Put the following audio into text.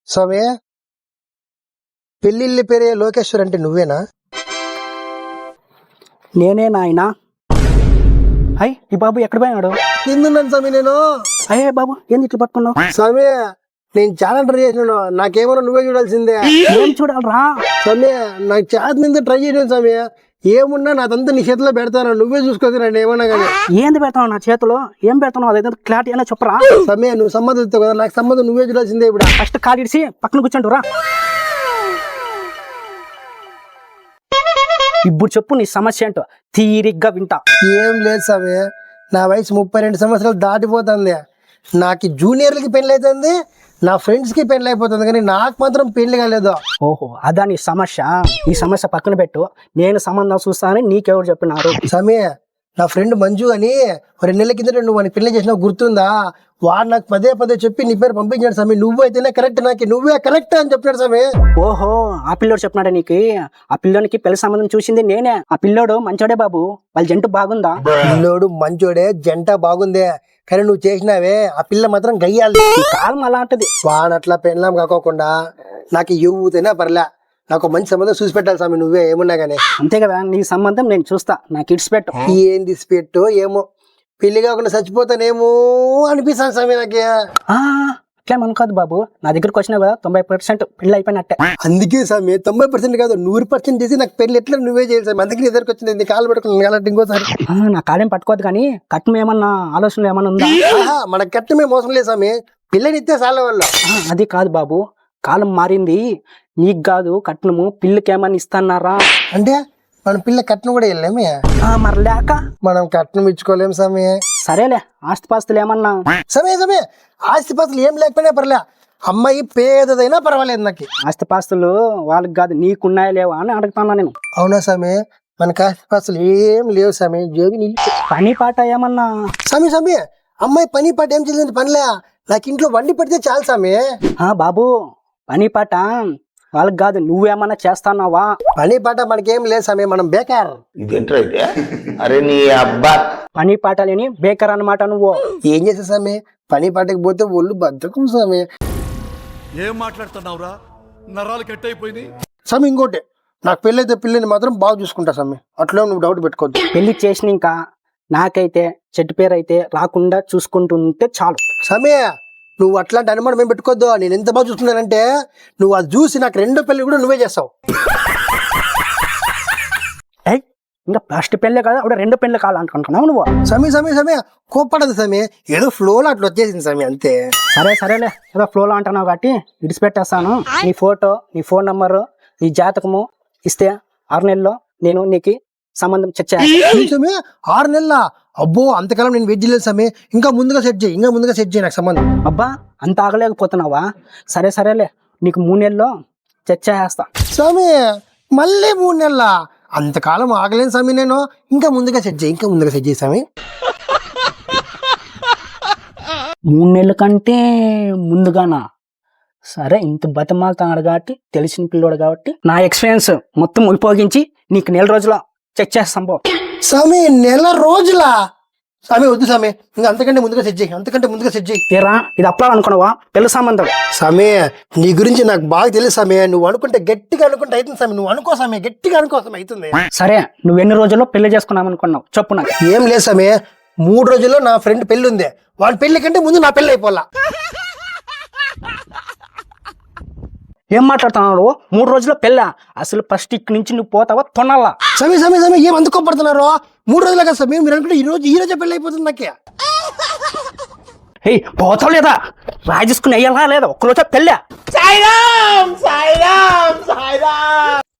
స్వామి, పెళ్ళిళ్ళ పేరే లోకేశ్వర్ అంటే నువ్వేనా? నేనే నాయనా. అయ్ ఈ బాబు ఎక్కడ పోయినాడు? తిందున్నాను స్వామి నేను. అయ్యే బాబు ఏంది ఇట్లా పట్టుకున్నావు? స్వామి, నేను చాలా ట్రై చేసినాను, నాకేమన్నా నువ్వే చూడాల్సిందే. ఏం చూడాలరా? స్వామి, నాకు చేత మీద ట్రై చేయను స్వామి. ఏమున్నా నాదంతా నీ చేతిలో పెడతాను, నువ్వే చూసుకోవచ్చు నన్ను ఏమన్నా కానీ. ఏంది పెడతావు నా చేతిలో? ఏం పెడతావు? అదైతే క్లారిటీ అయినా చెప్పరా? స్వామి, నువ్వు సంబంధం ఇస్తావు కదా, నాకు సంబంధం నువ్వే చూడాల్సిందే. ఇప్పుడు ఫస్ట్ కాలు ఇడిసి పక్కన కూర్చోండి రా. ఇప్పుడు చెప్పు నీ సమస్య ఏంటో తీరిగ్గా వింటా. ఏం లేదు స్వామి, నా వయసు 32 సంవత్సరాలు దాటిపోతుంది. నాకు జూనియర్లకి పెళ్ళి అవుతుంది, నా ఫ్రెండ్స్కి పెళ్ళి అయిపోతుంది, కానీ నాకు మాత్రం పెళ్లి కాలేదు. ఓహో, అదా నీ సమస్య? ఈ సమస్య పక్కన పెట్టు, నేను సంబంధం చూస్తానని నీకెవరు చెప్పినారు? స్వామి, నా ఫ్రెండ్ మంజు అని 2 నెలల కిందట నువ్వు వాడిని పెళ్లి చేసినావు గుర్తుందా? వాడు నాకు పదే పదే చెప్పి నీ పేరు పంపించాడు స్వామి. నువ్వు అయితేనే కరెక్ట్, నాకు నువ్వే కరెక్ట్ అని చెప్పాడు స్వామి. ఓహో, ఆ పిల్లోడు చెప్పినాడా నీకు? ఆ పిల్లోనికి పెళ్లి సంబంధం చూసింది నేనే. ఆ పిల్లోడు మంచోడే బాబు, వాళ్ళ జంట బాగుందా? పిల్లోడు మంచోడే, జంట బాగుందే, కానీ నువ్వు చేసినావే ఆ పిల్ల మాత్రం గయ్యాలి. కాలం అలాంటిది. వాడట్లా పెళ్ళాం కాకోకుండా నాకు యూతైనా పర్లే, నాకు మంచి సంబంధం చూసి పెట్టాలి స్వామి, నువ్వే ఏమున్నా కానీ. అంతే కదా, నీ సంబంధం నేను చూస్తా, నాకు ఇడ్స్ పెట్టు. ఏంది పెట్టు ఏమో, పెళ్లి కాకుండా చచ్చిపోతానేమో అనిపిస్తాను స్వామి నాకు. అట్లా అనుకోదు బాబు, నా దగ్గరకు వచ్చినావు కదా 90% పెళ్లి అయిపోయినట్టే. అందుకే స్వామి 90% కాదు 100% చేసి నాకు పెళ్లి ఎట్లా నువ్వే చేయాలి స్వామి. అందుకే ఎదురుకు వచ్చింది, నీ కాలు పట్టుకుని ఇంకోసారి. నా కాలేం పట్టుకోదు, కానీ కట్నం ఏమన్నా ఆలోచనలు ఏమన్నా ఉందా? మన కట్టమే మోసం లేదు స్వామి, పిల్లనిస్తే చాలా వాళ్ళు. అది కాదు బాబు, కాలం మారింది. నీకు కాదు కట్నము, పిల్లకి ఏమన్నా ఇస్తాన్నారా? అంటే మనం పిల్ల కట్నం కూడా వెళ్ళామే, మరి లేక మనం కట్నం ఇచ్చుకోలేం స్వామి. సరేలే, ఆస్తిపాస్తులు ఏమన్నా? సమయ ఆస్తిపాస్తులు ఏం లేకపోయినా పర్లే, అమ్మాయి పేదదైనా పర్వాలేదు నాకు. ఆస్తిపాస్తులు వాళ్ళకి కాదు, నీకున్నాయా లేవా అని అడుగుతున్నా నేను. అవునా స్వామి, మనకు ఆస్తిపాస్తులు ఏం లేవు స్వామి, జోగి నీళ్ళు. పని పాట ఏమన్నా? స్వామి అమ్మాయి పని పాట ఏం చేసింది పనిలే, నాకు ఇంట్లో వండి పెడితే చాలు స్వామి. బాబు, పని పాట వాళ్ళకి కాదు, నువ్వేమన్నా చేస్తాన్నావా? పని పాట మనకేం లేదు స్వామి, మనం బేకార్. అరే నీ అబ్బా, పని పాట లేని బేకర్ అన్నమాట నువ్వు. ఏం చేసా స్వామి, పని పాటకి పోతే ఒళ్ళు బద్దకం స్వామి. ఏం మాట్లాడుతున్నావురా, నరాలు కట్ అయిపోయింది. స్వామి ఇంకోటి, నాకు పెళ్ళైతే పిల్లని మాత్రం బాగా చూసుకుంటా స్వామి, అట్లా నువ్వు డౌట్ పెట్టుకోవద్దు. పెళ్లి చేసిన ఇంకా నాకైతే చెట్టు పేరు అయితే రాకుండా చూసుకుంటుంటే చాలు. స్వామి నువ్వు అట్లాంటి అనుమానం ఏం పెట్టుకోవద్దు, నేను ఎంత బాగా చూసుకున్నానంటే నువ్వు అది చూసి నాకు 2వ పెళ్లి కూడా నువ్వే చేస్తావు. ఇంకా ఫస్ట్ పెళ్ళే కదా, అప్పుడు 2 పెళ్ళి కావాలనుకుంటున్నావు నువ్వు. సమయ కోప్పడదు సమయ, ఏదో ఫ్లోలో అట్లా వచ్చేసింది సమయ అంతే. సరేలే, ఏదో ఫ్లోలో అంటున్నావు కాబట్టి ఇడిచిపెట్టేస్తాను. నీ ఫోటో, నీ ఫోన్ నంబరు, నీ జాతకము ఇస్తే 6 నెలల్లో నేను నీకు సంబంధం సమయ. 6 నెలల? అబ్బో, అంతకాలం నేను వెయిట్ చేయలేదు సమయ, ఇంకా ముందుగా సెట్ చేయి నాకు సంబంధం. అబ్బా, అంత ఆగలేకపోతున్నావా? సరేలే, నీకు 3 నెలల్లో చేస్తా. స్వామి మళ్ళీ 3 నెలల? అంతకాలం ఆగలేను స్వామి నేను, ఇంకా ముందుగా సెట్ చేయి స్వామి. 3 నెలల కంటే ముందుగానా? సరే, ఇంత బతమాలుతున్నాడు కాబట్టి, తెలిసిన పిల్లోడు కాబట్టి నా ఎక్స్పీరియన్స్ మొత్తం ఉపయోగించి నీకు 1 నెల రోజుల చెక్ చేస్తాం పో. స్వామి 1 నెల రోజుల? స్వామి వద్దు స్వామి, ఇంకా అంతకంటే ముందుగా సెట్ చేయి. ఏరా, ఇది అప్పాలనుకున్నావా పెళ్లి సంబంధం? స్వామి నీ గురించి నాకు బాగా తెలుసు స్వామి, నువ్వు అనుకుంటే గట్టిగా అనుకుంటే అవుతుంది స్వామి, నువ్వు అనుకో స్వామి, గట్టిగా అనుకో స్వామి, అవుతుంది. సరే, నువ్వు ఎన్ని రోజుల్లో పెళ్లి చేసుకున్నావు అనుకున్నావు చెప్పు నాకు. ఏం లేదు స్వామి, 3 రోజుల్లో నా ఫ్రెండ్ పెళ్లి ఉంది, వాడి పెళ్లి కంటే ముందు నా పెళ్లి అయిపోలా. ఏం మాట్లాడుతున్నావు? 3 రోజుల్లో పెళ్ళా? అసలు ఫస్ట్ ఇక్కడి నుంచి నువ్వు పోతావా తొనాలా? స్వామి ఏం అందుకోపడుతున్నారు? 3 రోజులు కదా స్వామి, మీరు అనుకుంటే ఈ రోజే పెళ్లి అయిపోతుంది నాకే. పోతావు లేదా? రాజేసుకుని అయ్యాలా లేదా? ఒక్కరోజు పెళ్ళా?